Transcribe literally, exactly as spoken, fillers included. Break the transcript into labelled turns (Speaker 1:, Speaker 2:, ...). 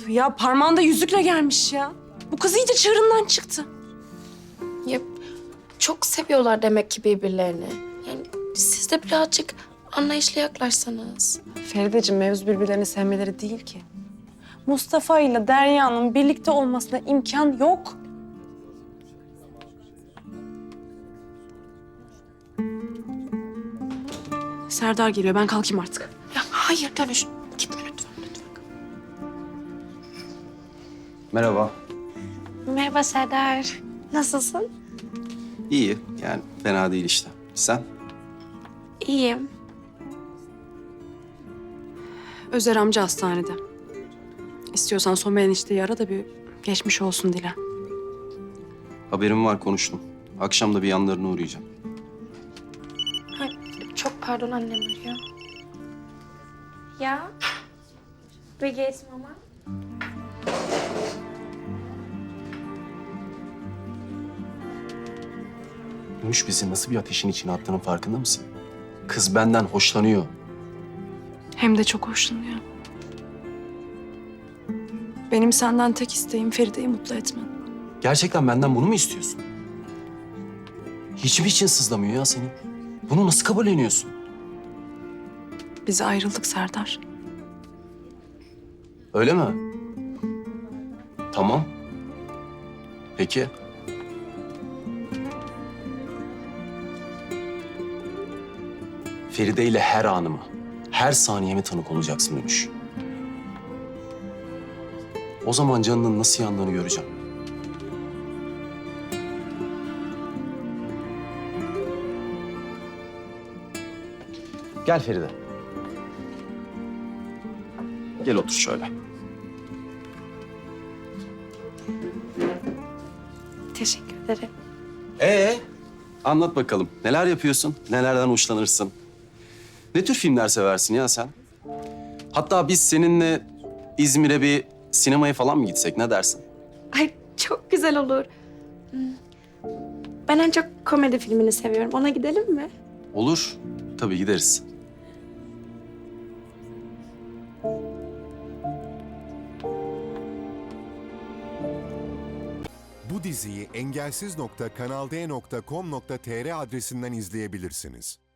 Speaker 1: Ya parmağında yüzükle gelmiş ya. Bu kız iyice çığırından çıktı.
Speaker 2: Ya çok seviyorlar demek ki birbirlerini. Yani siz de birazcık anlayışlı yaklaşsanız.
Speaker 1: Ferideciğim, mevzu birbirlerini sevmeleri değil ki. Mustafa ile Derya'nın birlikte olmasına imkan yok. Serdar geliyor. Ben kalkayım artık.
Speaker 2: Ya hayır dönüş. Gitme lütfen, lütfen.
Speaker 3: Merhaba.
Speaker 2: Merhaba Serdar. Nasılsın?
Speaker 3: İyi, yani fena değil işte. Sen?
Speaker 2: İyiyim.
Speaker 1: Özer amca hastanede. İstiyorsan Somer enişteyi ara da bir geçmiş olsun dile.
Speaker 3: Haberim var, konuştum. Akşam da bir yanlarına uğrayacağım.
Speaker 2: Ay, çok pardon, annem arıyor. Ya? Wie geht's Mama?
Speaker 3: Gümüş bizi nasıl bir ateşin içine attığının farkında mısın? Kız benden hoşlanıyor.
Speaker 1: Hem de çok hoşlanıyor. Benim senden tek isteğim Feride'yi mutlu etmen.
Speaker 3: Gerçekten benden bunu mu istiyorsun? Hiç mi için sızlamıyor ya senin? Bunu nasıl kabulleniyorsun?
Speaker 1: Biz ayrıldık Serdar.
Speaker 3: Öyle mi? Tamam. Peki. Feride ile her anıma, her saniyeme tanık olacaksın Dönüş. O zaman canının nasıl yandığını göreceğim. Gel Feride. Gel otur şöyle.
Speaker 2: Teşekkür ederim.
Speaker 3: Ee, anlat bakalım. Neler yapıyorsun? Nelerden hoşlanırsın? Ne tür filmler seversin ya sen? Hatta biz seninle İzmir'e bir sinemaya falan mı gitsek? Ne dersin?
Speaker 2: Ay çok güzel olur. Hmm. Ben en çok komedi filmini seviyorum. Ona gidelim mi?
Speaker 3: Olur. Tabii gideriz.
Speaker 4: Bu diziyi engelsiz nokta kanal d nokta com nokta tr adresinden izleyebilirsiniz.